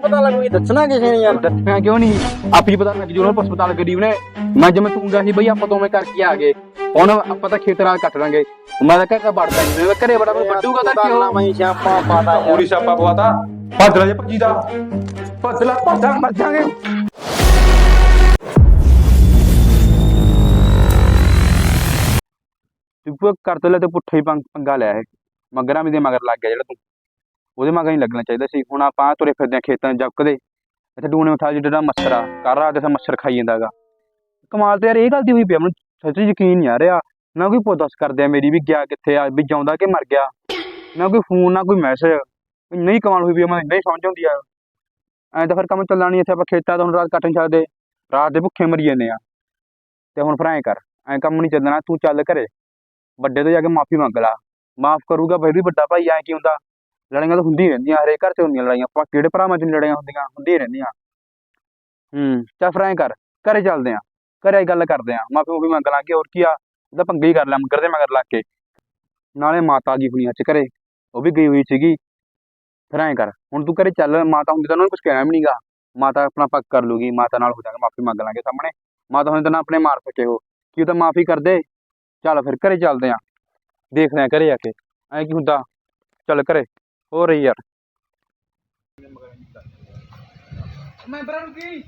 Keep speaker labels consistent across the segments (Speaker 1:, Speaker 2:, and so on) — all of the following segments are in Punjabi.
Speaker 1: ਪਤਾ ਲੱਗੂ ਦੱਸਣਾ ਕਿਸੇ ਨੇ ਯਾਰ।
Speaker 2: ਦੱਸਣਾ ਕਿਉਂ ਨਹੀਂ, ਆਪ ਹੀ ਪਤਾ ਲੱਗ ਜੂ ਉਹਨਾਂ ਹਸਪਤਾਲ ਗਰੀਬ ਨੇ। ਮੈਂ ਜਿਵੇਂ ਤੂੰ ਗਿਆ ਸੀ ਬਈ ਆਪਾਂ ਦੋਵੇਂ ਕਰਕੇ ਆ ਗਏ, ਹੁਣ ਆਪਾਂ ਤਾਂ ਖੇਤ ਨਾਲ ਕੱਟ ਲਾਂਗੇ। ਮੈਂ ਤਾਂ ਘਰ ਵੜਦਾ ਨਹੀਂ, ਮੈਂ ਘਰੇ ਬੜਾ ਵੱਡੂਗਾ ਤਾਂ ਕਿਉਂ
Speaker 1: ਮੈਂ ਸਿਆਪਾ ਪਾਤਾ ਯਾਰ।
Speaker 2: ਪੂਰੀ ਸਿਆਪਾ ਪਵਾਤਾ। ਭੱਜ ਲੈ ਜੇ ਭੱਜੀ ਦਾ, ਭੱਜ ਲੈ ਭੱਜਾਂ ਮਰ ਜਾਗੇ। ਤੂੰ ਕਰ ਤੇ ਲੈ ਤੇ ਪੁੱਠਾ ਹੀ ਪੰਗਾ ਲਿਆ ਇਹ ਮਗਰਾਂ ਵੀ ਦੇ ਮਗਰ ਲੱਗ ਗਿਆ ਜਿਹੜਾ ਤੂੰ, ਉਹਦੇ ਮਗਰ ਨਹੀਂ ਲੱਗਣਾ ਚਾਹੀਦਾ ਸੀ। ਹੁਣ ਆਪਾਂ ਤੁਰੇ ਫਿਰਦੇ ਆ ਖੇਤਾਂ 'ਚ ਜੱਕਦੇ, ਇੱਥੇ ਡੂਣੇ ਉਠਾ ਜਿਹੜਾ ਮੱਛਰ ਆ ਕਰ ਰਾਤ ਦੇ ਮੱਛਰ ਖਾਈ ਜਾਂਦਾ ਗਾ। ਕਮਾਲ ਤੇ ਯਾਰ ਇਹ ਗੱਲ ਦੀ ਹੋਈ ਪਈ, ਮੈਨੂੰ ਸੱਚੀ ਯਕੀਨ ਨਹੀਂ ਆ ਰਿਹਾ। ਨਾ ਕੋਈ ਪੁੱਛ ਕਰਦੇ ਆ ਮੇਰੀ ਵੀ ਗਿਆ ਕਿੱਥੇ ਆ, ਵੀ ਜਿਉਂਦਾ ਕਿ ਮਰ ਗਿਆ, ਨਾ ਕੋਈ ਫੋਨ ਨਾ ਕੋਈ ਮੈਸੇਜ। ਨਹੀਂ ਕਮਾਲ ਹੋਈ ਪਈ, ਮੈਨੂੰ ਨਹੀਂ ਸਮਝ ਆਉਂਦੀ ਆ। ਐਂ ਤਾਂ ਫਿਰ ਕੰਮ ਚੱਲਣਾ ਨਹੀਂ ਇੱਥੇ, ਆਪਾਂ ਖੇਤਾਂ ਤੋਂ ਹੁਣ ਰਾਤ ਕੱਟ ਨਹੀਂ ਸਕਦੇ, ਰਾਤ ਦੇ ਭੁੱਖੇ ਮਰੀ ਜਾਂਦੇ ਆ। ਤੇ ਹੁਣ ਫਿਰ ਐਂ ਕਰ, ਐਂ ਕੰਮ ਨਹੀਂ ਚੱਲਣਾ, ਤੂੰ ਚੱਲ ਘਰੇ ਵੱਡੇ ਤੋਂ ਜਾ ਕੇ ਮਾਫੀ ਮੰਗ ਲਾ, ਮਾਫ ਕਰੂਗਾ ਫਿਰ ਵੀ ਵੱਡਾ ਭਾਈ। ਐਂ ਕੀ ਹੁੰਦਾ, ਲੜਾਈਆਂ ਤਾਂ ਹੁੰਦੀਆਂ ਰਹਿੰਦੀਆਂ, ਹਰੇਕ ਘਰ 'ਚ ਹੁੰਦੀਆਂ ਲੜਾਈਆਂ, ਆਪਾਂ ਕਿਹੜੇ ਭਰਾਵਾਂ 'ਚ ਲੜਾਈਆਂ ਹੁੰਦੀਆਂ ਰਹਿੰਦੀਆਂ। ਚੱਲ ਫਿਰ ਐਂ ਕਰ, ਘਰੇ ਚੱਲਦੇ ਆ, ਘਰੇ ਗੱਲ ਕਰਦੇ ਆ, ਮਾਫੀ ਮੂਫੀ ਮੰਗ ਲਾਂਗੇ, ਹੋਰ ਕੀ ਆ। ਉਹਦਾ ਪੰਗਾ ਹੀ ਕਰ ਲਿਆ ਮਗਰ ਦੇ ਮਗਰ ਲੱਗ ਕੇ, ਨਾਲੇ ਮਾਤਾ ਜੀ ਹੁਣੀ ਅੱਜ ਘਰੇ, ਉਹ ਵੀ ਗਈ ਹੋਈ ਸੀਗੀ। ਫਿਰ ਐਂ ਕਰ ਹੁਣ ਤੂੰ ਘਰੇ ਚੱਲ, ਮਾਤਾ ਹੁੰਦੀ ਤਾਂ ਉਹਨਾਂ ਨੂੰ ਕੁਛ ਕਹਿਣਾ ਵੀ ਨੀਗਾ, ਮਾਤਾ ਆਪਣਾ ਪੱਕ ਕਰ ਲੂਗੀ, ਮਾਤਾ ਨਾਲ ਹੋ ਜਾਗਾ, ਮਾਫੀ ਮੰਗ ਲਾਂਗੇ ਸਾਹਮਣੇ। ਮਾਤਾ ਹੁਣ ਤਾਂ ਨਾ ਆਪਣੇ ਮਾਰ ਸਕੇ ਉਹ, ਕੀ ਤਾਂ ਮਾਫੀ ਕਰ ਦੇ। ਚੱਲ ਫਿਰ ਘਰੇ ਚੱਲਦੇ ਆ, ਦੇਖਦੇ ਆ ਘਰੇ ਆ ਕੇ ਐਂ ਕੀ ਹੁੰਦਾ। ਚੱਲ ਘਰੇ ਹੋ ਰਹੀ ਯਾਰ ਮੈਂਬਰਾਂ ਨੂੰ ਕੀ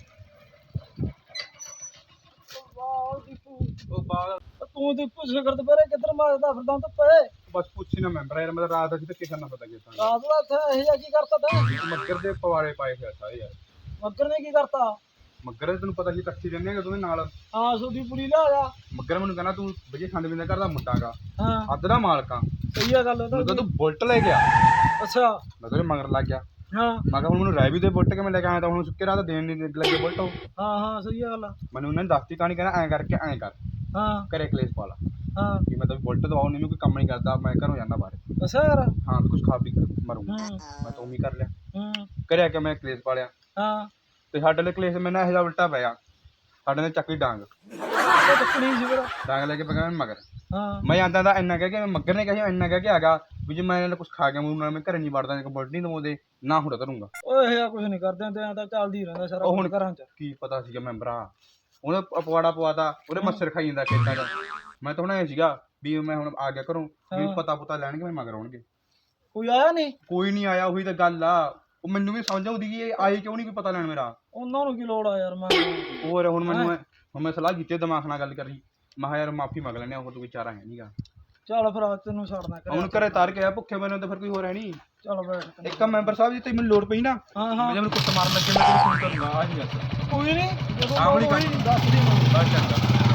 Speaker 2: ਉਹ ਬਾਲ
Speaker 1: ਤੂੰ ਤੇ ਪੁੱਛ ਕਰਦ ਪਰੇ ਕਿੱਧਰ ਮਾਰਦਾ ਫਿਰਦਾ ਤੂੰ ਪਏ।
Speaker 2: ਬਸ ਪੁੱਛੀ ਨਾ ਮੈਂਬਰ ਯਾਰ, ਮੈਂ ਰਾਤ ਅਸੀਂ ਧੱਕੇ ਕਰਨਾ ਪਤਾ ਕੀਤਾ
Speaker 1: ਰਾਤ ਦਾ ਇੱਥੇ ਇਹ ਕੀ ਕਰਤਾ ਤੈਂ?
Speaker 2: ਮੱਗਰ ਦੇ ਪਵਾੜੇ ਪਾਏ ਹੋਏ ਸਾਰੇ ਯਾਰ।
Speaker 1: ਮੱਗਰ ਨੇ ਕੀ ਕਰਤਾ?
Speaker 2: ਮੱਗਰ ਤੈਨੂੰ ਪਤਾ ਸੀ ਇਕੱਠੀ ਰਹਿੰਦੇ ਆ ਦੋਵੇਂ ਨਾਲ।
Speaker 1: ਹਾਂ ਸੋਦੀ ਪੂਰੀ ਲਿਆ ਜਾ।
Speaker 2: ਮੱਗਰ ਮੈਨੂੰ ਕਹਿੰਦਾ ਤੂੰ ਬਈਏ ਖੰਡ ਪੀਂਦਾ ਘਰ ਦਾ ਮੁੰਡਾ ਗਾ,
Speaker 1: ਹਾਂ
Speaker 2: ਅੱਧ ਦਾ ਮਾਲਕਾਂ।
Speaker 1: ਸਹੀ ਆ ਗੱਲ ਉਹਦਾ।
Speaker 2: ਮੈਨੂੰ ਕਹਿੰਦਾ ਤੂੰ ਬੁਲਟ ਲੈ ਗਿਆ,
Speaker 1: ਅੱਛਾ
Speaker 2: ਮੈਂ ਤੇਰੇ ਮਗਰ ਲੱਗ ਗਿਆ।
Speaker 1: ਹਾਂ
Speaker 2: ਮੈਂ ਕਿਹਾ ਹੁਣ ਮੈਨੂੰ ਰਹਿ ਵੀ ਦੇ ਬੁਲਟ ਕੇ ਮੈਂ ਲੈ ਕੇ ਆਇਆ, ਤਾਂ ਹੁਣ ਸੁੱਕੇ ਰਾਤ ਦੇਣ ਨਹੀਂ ਲੱਗੇ ਬੁਲਟ ਉਹ।
Speaker 1: ਹਾਂ ਹਾਂ ਸਹੀ ਆ ਗੱਲ।
Speaker 2: ਮੈਨੂੰ ਉਹਨਾਂ ਨੇ ਦੱਸਤੀ ਕਹਾਣੀ, ਕਹਿੰਦਾ ਐਂ ਕਰਕੇ ਐਂ ਕਰ,
Speaker 1: ਹਾਂ
Speaker 2: ਘਰੇ ਕਲੇਸ਼ ਪਾ ਲਾ
Speaker 1: ਹਾਂ
Speaker 2: ਕਿ ਮੈਂ ਤਾਂ ਬੁਲਟ ਦਵਾਉ ਨਹੀਂ, ਕੋਈ ਕੰਮ ਨਹੀਂ ਕਰਦਾ, ਮੈਂ ਘਰੋਂ ਜਾਂਦਾ ਬਾਹਰ।
Speaker 1: ਅੱਛਾ ਯਾਰ।
Speaker 2: ਹਾਂ ਕੁਛ ਖਾ ਪੀ ਕੇ ਮਰੂੰਗਾ, ਮੈਂ ਤਾਂ ਉਮੀ ਕਰ ਲਿਆ। ਘਰੇ ਆ ਕੇ ਮੈਂ ਕਲੇਸ਼ ਪਾ ਲਿਆ,
Speaker 1: ਹਾਂ
Speaker 2: ਤੇ ਸਾਡੇ ਲਈ ਕਲੇਸ਼ ਮੈਨੂੰ ਇਹੋ ਜਿਹਾ ਉਲਟਾ ਪਿਆ, ਸਾਡੇ ਨੇ ਚੱਕੀ ਡਾਂਗ
Speaker 1: ਚੱਕਣੀ ਸੀ ਫਿਰ।
Speaker 2: ਡਾਂਗ ਲੈ ਕੇ ਪੈ ਗਿਆ ਮਗਰ।
Speaker 1: ਹਾਂ
Speaker 2: ਮੈਂ ਜਾਂਦਾ ਤਾਂ ਇੰਨਾ ਕਹਿ ਕੇ, ਮੱਗਰ ਨੇ ਕਿਹਾ ਇੰਨਾ ਕਹਿ ਕੇ ਹੈਗਾ ਵੀ ਜੇ ਮੈਂ ਇਹਨਾਂ ਕੁਛ ਖਾ ਗਿਆ ਮੂੰਹ ਨਾਲ, ਮੈਂ ਘਰੇ ਨਹੀਂ ਵੜਦਾ, ਬੁਲਟ ਨਹੀਂ ਦਵਾਉਂਦੇ ਨਾ ਹੁਣ ਕਰੂੰਗਾ।
Speaker 1: ਓਏ ਇਹ ਕੁਝ ਨਹੀਂ ਕਰਦੇ ਹੁੰਦੇ, ਐਂ ਤਾਂ ਚੱਲਦੀ ਰਹਿੰਦਾ ਸਾਰਾ
Speaker 2: ਉਹ ਹੁਣ
Speaker 1: ਘਰਾਂ 'ਚ।
Speaker 2: ਕੀ ਪਤਾ ਸੀਗਾ ਮੈਂਬਰਾਂ, ਉਹਨੇ ਪਵਾੜਾ ਪਵਾਤਾ, ਉਹਦੇ ਮੱਛਰ ਖਾਈ ਜਾਂਦਾ ਖੇਤਾਂ 'ਚ। ਮੈਂ ਤਾਂ ਹੁਣ ਇਹ ਸੀਗਾ ਵੀ ਮੈਂ ਹੁਣ ਆ ਗਿਆ ਘਰੋਂ, ਵੀ ਪਤਾ ਪੁਤਾ ਲੈਣਗੇ ਮੈਂ ਮਗਰ ਆਉਣਗੇ।
Speaker 1: ਕੋਈ ਆਇਆ ਨਹੀਂ?
Speaker 2: ਕੋਈ ਨਹੀਂ ਆਇਆ, ਉਹੀ ਤਾਂ ਗੱਲ ਆ। ਉਹ ਮੈਨੂੰ ਵੀ ਸਮਝ ਆਉਂਦੀ ਕਿ ਇਹ ਆਏ ਕਿਉਂ ਨਹੀਂ ਕੋਈ ਪਤਾ ਲੈਣ ਮੇਰਾ।
Speaker 1: ਉਹਨਾਂ ਨੂੰ ਕੀ ਲੋੜ ਆ ਯਾਰ। ਮੈਂ
Speaker 2: ਹੋਰ ਹੁਣ ਮੈਂ ਸਲਾਹ ਕੀਤੀ ਦਿਮਾਗ ਨਾਲ ਗੱਲ ਕਰੀ, ਮੈਂ ਕਿਹਾ ਯਾਰ ਮਾਫੀ ਮੰਗ ਲੈਣੇ, ਹੋਰ ਕੋਈ ਚਾਰਾ ਹੈ ਨਹੀਂਗਾ।
Speaker 1: ਚੱਲ ਫਿਰ ਤੈਨੂੰ ਛੱਡਣਾ
Speaker 2: ਹੁਣ ਘਰੇ ਤਾਰ ਕੇ ਆ ਭੁੱਖੇ ਮੈਨੂੰ, ਤਾਂ ਫਿਰ ਕੋਈ ਹੋਰ ਹੈ ਨਹੀਂ।
Speaker 1: ਚੱਲ ਬੈਠ।
Speaker 2: ਇੱਕ ਮੈਂਬਰ ਸਾਹਿਬ ਜੀ ਤੇ ਮੈਨੂੰ ਲੋੜ ਪਈ ਨਾ,
Speaker 1: ਹਾਂ ਹਾਂ
Speaker 2: ਮੈਨੂੰ ਕੁੱਟ ਮਾਰਨ ਲੱਗੇ ਮੈਂ ਤੈਨੂੰ ਫੋਨ ਕਰੂੰਗਾ। ਆਹ ਹੀ ਗੱਲ
Speaker 1: ਕੋਈ ਨਹੀਂ, ਜਦੋਂ
Speaker 2: ਆਹ ਵਾਲੀ
Speaker 1: ਕੋਈ
Speaker 2: ਗੱਲ
Speaker 1: ਦੱਸ ਦੀ ਮੈਨੂੰ।
Speaker 2: ਬਸ ਚੰਗਾ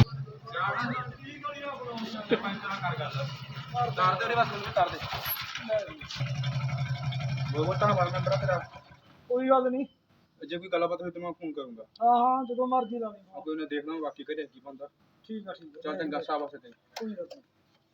Speaker 2: ਕਰ ਗੱਲ ਤਾਰ ਦੇ ਉਹਦੇ ਬਸ ਮੈਨੂੰ ਤਾਰ ਦੇ ਵੋਟਾਂ ਵਾਲਾ ਮੈਂਬਰ ਤੇਰਾ।
Speaker 1: ਕੋਈ ਗੱਲ ਨਹੀਂ,
Speaker 2: ਜੇ ਕੋਈ ਗੱਲਬਾਤ ਹੋਈ ਤਾਂ ਮੈਂ ਫੋਨ ਕਰੂੰਗਾ।
Speaker 1: ਹਾਂ ਹਾਂ ਜਦੋਂ ਮਰਜ਼ੀ ਲਾਣੀ।
Speaker 2: ਕੋਈ ਨੇ ਦੇਖਣਾ ਬਾਕੀ ਘਰੇ ਕੀ ਬੰਦਾ।
Speaker 1: ਠੀਕ ਆ ਠੀਕ ਆ।
Speaker 2: ਚੱਲ ਚੰਗਾ ਸ਼ਾਬਾਸ਼ ਤੇ
Speaker 1: ਕੋਈ ਗੱਲ ਨਹੀਂ।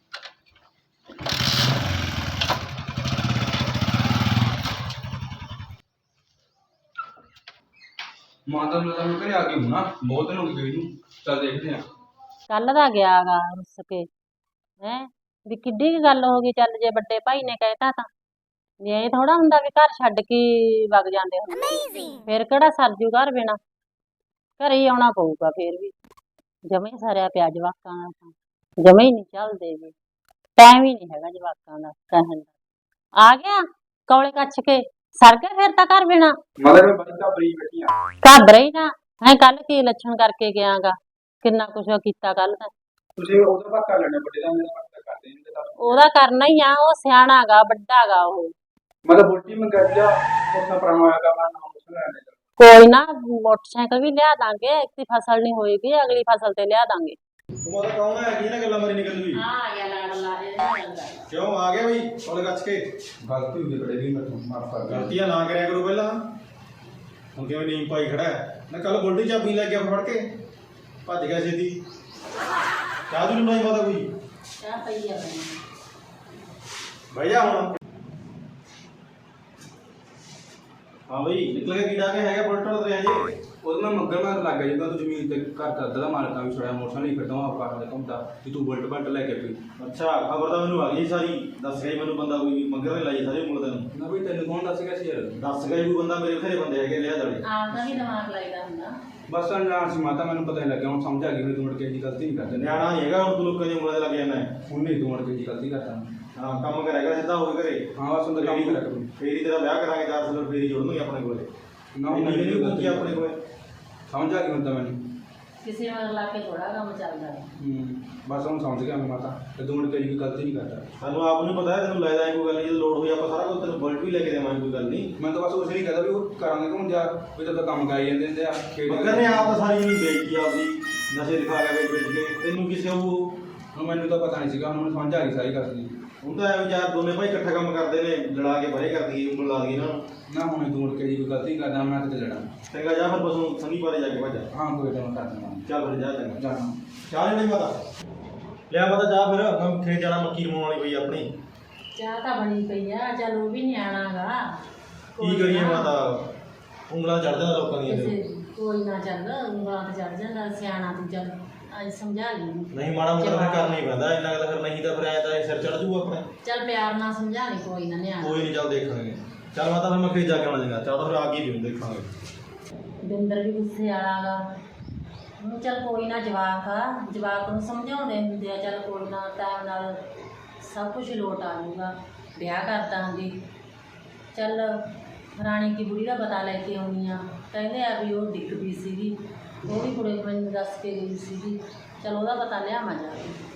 Speaker 2: ਮਾਤਾ ਨੂੰ ਤਾਂ ਘਰੇ ਆ ਗਈ ਹੁਣ ਨਾ, ਬਹੁਤ ਦਿਨ ਹੋ ਗਏ ਗਈ ਨੂੰ। ਚੱਲ ਦੇਖਦੇ ਆ।
Speaker 3: ਕੱਲ ਦਾ ਗਿਆ ਗਾ ਰੁੱਸ ਕੇ, ਹੈ ਵੀ ਕਿੱਡੀ ਕੀ ਗੱਲ ਹੋ ਗਈ। ਚੱਲ ਜੇ ਵੱਡੇ ਭਾਈ ਨੇ ਕਹਿਤਾ ਤਾਂ, ਜੇ ਇਹ ਥੋੜਾ ਹੁੰਦਾ ਵੀ ਘਰ ਛੱਡ ਕੇ ਵਗ ਜਾਂਦੇ ਹੁੰਦੇ, ਫਿਰ ਕਿਹੜਾ ਸਰਜੂ ਘਰ ਬਿਨਾ, ਘਰੇ ਹੀ ਆਉਣਾ ਪਊਗਾ। ਫਿਰ ਵੀ ਜਮੇ ਹੀ ਸਾਰਿਆ ਪਿਆ ਜਵਾਕਾਂ ਦਾ, ਤਾਂ ਜਮੇ ਹੀ ਨਹੀਂ ਚੱਲਦੇ ਵੀ, ਟਾਈਮ ਹੀ ਨਹੀਂ ਹੈਗਾ ਜਵਾਕਾਂ ਦਾ ਕਹਿਣ ਦਾ। ਆ ਗਿਆ ਕੌਲੇ ਕੱਛ ਕੇ ਸਰ ਗਿਆ ਫਿਰ ਤਾਂ ਘਰ ਬਿਨਾ।
Speaker 2: ਮਗਰ ਮੈਂ ਬੜੀ ਘਬਰੀ ਬੈਠੀ ਆ।
Speaker 3: ਘਬਰਾ ਹੀ ਨਾ ਹੈ, ਕੱਲ ਕੀ ਲੱਛਣ ਕਰਕੇ ਗਿਆ ਗਾ, ਕਿੰਨਾ ਕੁਛ ਕੀਤਾ ਕੱਲ ਤਾਂ।
Speaker 2: ਤੁਸੀਂ ਉਹਦਾ ਪੱਕਾ ਕਰ ਲੈਣਾ, ਵੱਡੇ ਦਾ ਮੇਰਾ ਪੱਕਾ ਕਰਦੇ ਨਹੀਂ ਤਾਂ
Speaker 3: ਉਹਦਾ ਕਰਨਾ ਹੀ ਆ, ਉਹ ਸਿਆਣਾ ਗਾ, ਵੱਡਾ ਗਾ ਉਹ।
Speaker 2: ਮੈਂ ਤਾਂ ਬੁਲਟੀ ਮੰਗਾ ਲਿਆ, ਉਸਾ ਪੁਰਾਣਾ ਹੋਇਆ ਗਾ, ਮੈਂ ਨਾਮ ਉਸ ਲੈਣੇ ਦਾ।
Speaker 3: ਕੋਈ ਨਾ ਮੋਟਰਸਾਈਕਲ ਵੀ ਲਿਆ ਦਾਂਗੇ, ਇੱਕ ਫਸਲ ਨਹੀਂ ਹੋਏਗੀ ਅਗਲੀ ਫਸਲ ਤੇ ਲਿਆ ਦਾਂਗੇ।
Speaker 4: ਉਹ ਤਾਂ ਕੌਣ ਹੈ, ਕੀ ਨਾ ਗੱਲਾਂ ਮਾਰੀ ਨਿਕਲ ਵੀ।
Speaker 3: ਹਾਂ ਆ ਗਿਆ ਲਾੜ ਲਾ
Speaker 4: ਕਿਉਂ ਆ ਗਿਆ ਬਈ ਕੋਲੇ ਕੱਚ ਕੇ?
Speaker 2: ਗਲਤੀ ਹੋ ਗਈ ਬੜੇ ਵੀ, ਮੈਂ ਮਾਫ ਕਰ ਦਿਓ।
Speaker 4: ਗਲਤੀਆਂ ਨਾ ਕਰਿਆ ਕਰੋ ਪਹਿਲਾਂ। ਹੁਣ ਕਿਵੇਂ ਨੀਂਦ ਪਾਈ ਖੜਾ ਹੈ ਨਾ, ਕੱਲ ਬੁਲਟੀ ਚਾਬੀ ਲੈ ਗਿਆ ਫੜ ਕੇ ਭੱਜ ਗਿਆ ਛੇਤੀ। ਚਾਹ ਦੂ ਬਣਾਈ ਮਾਤਾ ਕੋਈ?
Speaker 3: ਚਾਹ ਪਈ ਆ
Speaker 4: ਬਹਿ ਜਾ ਹੁਣ। ਹਾਂ ਬਈ ਨਿਕਲ ਕੇ ਕੀੜਾ ਕੇ ਹੈਗਾ ਬੁਲਟ ਤੇ ਅਜੇ
Speaker 2: ਉਹਦੇ ਨਾਲ ਮੱਗਰ ਮਾਰ ਲੱਗ ਗਿਆ ਜਦੋਂ ਤੂੰ ਜ਼ਮੀਨ ਤੇ ਘਰ ਦਾ ਅੱਧਾ ਦਾ ਮਾਲਕਾਂ ਵੀ ਛੜਿਆ ਮੋਟਰਸਾਈਕਲ ਹੀ ਫਿਰਦਾ ਆਪਾਂ ਕਰਦੇ ਘੁੰਮਦਾ ਕਿ ਤੂੰ ਬੁਲਟ ਲੈ ਕੇ ਪਈ।
Speaker 4: ਅੱਛਾ ਖਬਰ ਤਾਂ ਮੈਨੂੰ ਆ ਗਈ ਸਾਰੀ ਦੱਸ ਗਿਆ ਮੈਨੂੰ ਬੰਦਾ ਕੋਈ ਮੱਗਰ ਨੇ ਲਾਈ ਸਾਰੇ ਮੁੰਡੇ ਨੂੰ।
Speaker 2: ਨਾ ਬਈ ਤੈਨੂੰ ਕੌਣ ਦੱਸ ਗਿਆ ਸੀ ਯਾਰ?
Speaker 4: ਦੱਸ ਗਿਆ ਕੋਈ ਬੰਦਾ ਮੇਰੇ ਘਰੇ ਬੰਦੇ ਹੈਗੇ ਲਿਆ ਜਾਲੇ।
Speaker 3: ਆਪਦਾ ਵੀ ਦਿਮਾਗ ਲਾਈਦਾ ਹੁੰਦਾ।
Speaker 2: ਬਸ ਅਣਜਾਣ ਸੀ ਮਾਤਾ ਮੈਨੂੰ ਪਤਾ ਨਹੀਂ ਲੱਗਿਆ ਹੁਣ ਸਮਝ ਆ ਗਈ ਵੀ ਤੂੰ ਮੁੜ ਕੇ ਜੀ ਗਲਤੀ ਨਹੀਂ ਕਰਦਾ।
Speaker 4: ਨਿਆਣਾ ਨਹੀਂ ਹੈਗਾ ਹੁਣ ਤੂੰ ਲੋਕਾਂ ਦੇ ਉਂਗਲਾਂ ਦੇ ਲੱਗ ਜਾਂਦਾ
Speaker 2: ਹੁਣ ਨਹੀਂ ਤੂੰ ਮੁੜ ਕੇ ਜੀ ਗਲਤੀ ਕਰਦਾ।
Speaker 4: ਹਾਂ ਕੰਮ ਕਰੇਗਾ ਸਿੱਧਾ ਹੋ ਕੇ ਘਰੇ।
Speaker 2: ਹਾਂ ਬਸ ਉਹਦਾ ਕੰਮ ਕਰਿਆ ਕਰੂ।
Speaker 4: ਫੇਰ ਹੀ ਤੇਰਾ ਵਿਆਹ ਕਰਾਂਗੇ 4 ਸਾਲ ਫੇਰ ਹੀ ਜੋੜਨਗੇ ਆਪਣੇ ਕੋਲੇ।
Speaker 2: ਨਾ
Speaker 4: ਨਹੀਂ
Speaker 2: ਮੈਨੂੰ
Speaker 4: ਨਹੀਂ
Speaker 2: ਗਲਤੀ
Speaker 4: ਆਪਣੇ ਕੋਲੇ
Speaker 2: ਸਮਝ ਆ ਗਈ ਹੁਣ ਤਾਂ ਮੈਨੂੰ।
Speaker 3: ਕਿਸੇ ਮਗਰ ਲਾ ਕੇ ਥੋੜਾ ਕੰਮ ਚੱਲਦਾ ਹੈ।
Speaker 2: ਬਸ ਹੁਣ ਸਮਝ ਗਿਆ ਮੈਂ ਮਾਤਾ ਤੇ ਤੂੰ ਮੁੜ ਕੇ ਜੀ ਗਲਤੀ ਨਹੀਂ ਕਰਦਾ।
Speaker 4: ਸਾਨੂੰ ਆਪ ਨੂੰ ਪਤਾ ਹੈ ਤੈਨੂੰ ਲੈ ਜਾਏ ਕੋਈ ਗੱਲ ਨਹੀਂ ਜਦੋਂ ਲੋੜ ਹੋਈ ਆਪਾਂ ਸਾਰਾ ਕੁਝ ਤੈਨੂੰ ਬੁਲਟ ਵੀ ਲੈ ਕੇ ਦੇਵਾਂਗੇ ਕੋਈ ਗੱਲ ਨਹੀਂ।
Speaker 2: ਮੈਂ ਤਾਂ ਬਸ ਉਸ ਨਹੀਂ ਕਹਦਾ ਵੀ ਉਹ ਕਰਾਂਗੇ ਕਿ ਹੁਣ ਜਾ ਵੀ ਤਾਂ ਕੰਮ ਕਰਾਈ ਜਾਂਦੇ ਹੁੰਦੇ ਆ
Speaker 4: ਮੱਗਰ ਨੇ ਆਪ ਤਾਂ ਸਾਰੀ ਜ਼ਮੀਨ ਵੇਚੀ ਆਪਦੀ ਨਸ਼ੇ ਦਿਖਾ ਕੇ ਵੇਚ ਕੇ ਤੈਨੂੰ ਕਿਸੇ ਉਹ
Speaker 2: ਹੁਣ ਮੈਨੂੰ ਤਾਂ ਪਤਾ ਨਹੀਂ ਸੀਗਾ ਹੁਣ ਮੈਨੂੰ ਸਮਝ ਆ ਗਈ ਸਾਰੀ ਗੱਲ ਦੀ।
Speaker 4: ਹੁਣ ਤਾਂ ਐਵੇਂ ਯਾਰ ਦੋਨੇ ਭਾਈ ਇਕੱਠਾ ਕੰਮ ਕਰਦੇ ਨੇ ਲੜਾ ਕੇ ਪਰੇ ਕਰਦੀ ਉਂਗਲ ਲਾ ਦੀ ਨਾ।
Speaker 2: ਨਾ ਹੁਣ ਤੂੰ ਮੁੜ ਕੇ ਜੀ ਕੋਈ ਗਲਤੀ ਕਰਦਾ ਮੈਂ ਕਿਤੇ ਲੜਾਂ।
Speaker 4: ਚੰਗਾ ਜਾ ਫਿਰ ਬਸ ਸੰਗੀ ਬਾਰੇ ਜਾ ਕੇ ਭੱਜ।
Speaker 2: ਹਾਂ ਕੋਈ ਤਾਂ ਮੈਂ ਕਰ ਦਿੰਦਾ
Speaker 4: ਚੱਲ ਫਿਰ ਜਾ ਚੰਗਾ।
Speaker 2: ਜਾਣਾ।
Speaker 4: ਚਾਹ ਨਹੀਂ ਮਾਤਾ ਲਿਆ ਮਾਤਾ ਚਾਹ ਫਿਰ ਮੈਂ ਖੇਤ ਜਾਣਾ ਮੱਕੀ ਰਮਾਉਣ ਵਾਲੀ ਪਈ ਆਪਣੀ।
Speaker 3: ਚਾਹ ਤਾਂ ਬਣੀ ਪਈ ਆ ਚੱਲ ਉਹ ਵੀ ਨਿਆਣਾਗਾ।
Speaker 4: ਕੀ ਕਰੀਏ ਮਾਤਾ ਉਂਗਲਾਂ ਚੜ ਜਾਂਦਾ ਲੋਕਾਂ ਦੀਆਂ ਤੇ।
Speaker 3: ਕੋਈ ਨਾ ਚੱਲ ਉਂਗਲਾਂ ਤੇ ਚੜ ਜਾਂਦਾ ਸਿਆਣਾ ਤੂੰ ਚੱਲ ਅੱਜ ਸਮਝਾ ਲਈ।
Speaker 4: ਨਹੀਂ ਮਾੜਾ ਮੋਟਾ ਫਿਰ ਕਰਨਾ ਹੀ ਪੈਂਦਾ ਇੰਨਾ ਕੁ ਤਾਂ ਫਿਰ ਨਹੀਂ ਤਾਂ ਫਿਰ ਐ ਤਾਂ ਸਿਰ ਚੜ ਜੂਗਾ ਆਪਣੇ।
Speaker 3: ਚੱਲ ਪਿਆਰ ਨਾਲ ਸਮਝਾ ਲਈ ਕੋਈ ਨਾ ਨਿਆਣਾ।
Speaker 4: ਕੋਈ ਨਹੀਂ ਚੱਲ ਦੇਖਾਂਗੇ। ਚੱਲ ਮਾਤਾ ਫਿਰ ਮੈਂ ਖੇਤ ਜਾ ਕੇ ਆਉਣਾ ਚੰਗਾ ਚਾਹ ਤਾਂ ਫਿਰ ਆ ਗਈ ਪੀਉਂ ਦੇਖਾਂਗੇ।
Speaker 3: ਬਿੰਦਰ ਵੀ ਗੁੱਸੇ ਵਾਲਾਗਾ। ਹੁਣ ਚੱਲ ਕੋਈ ਨਾ ਜਵਾਕ ਨੂੰ ਸਮਝਾਉਂਦੇ ਹੁੰਦੇ ਆ ਚੱਲ ਕੋਈ ਨਾ ਟਾਈਮ ਨਾਲ ਸਭ ਕੁਝ ਲੋਟ ਆ ਜਾਊਗਾ। ਵਿਆਹ ਕਰ ਦਾਂਗੇ। ਚੱਲ ਰਾਣੀ ਕੀ ਬੁੜੀ ਦਾ ਪਤਾ ਲੈ ਕੇ ਆਉਣੀ ਆ। ਕਹਿੰਦੇ ਆ ਵੀ ਉਹ ਡਿੱਗ ਪਈ ਸੀਗੀ ਉਹ ਵੀ ਕੁੜੇ ਮੈਨੂੰ ਦੱਸ ਕੇ ਗਈ ਸੀਗੀ। ਚੱਲ ਉਹਦਾ ਪਤਾ ਲਿਆਵਾਂ ਜਾ ਕੇ।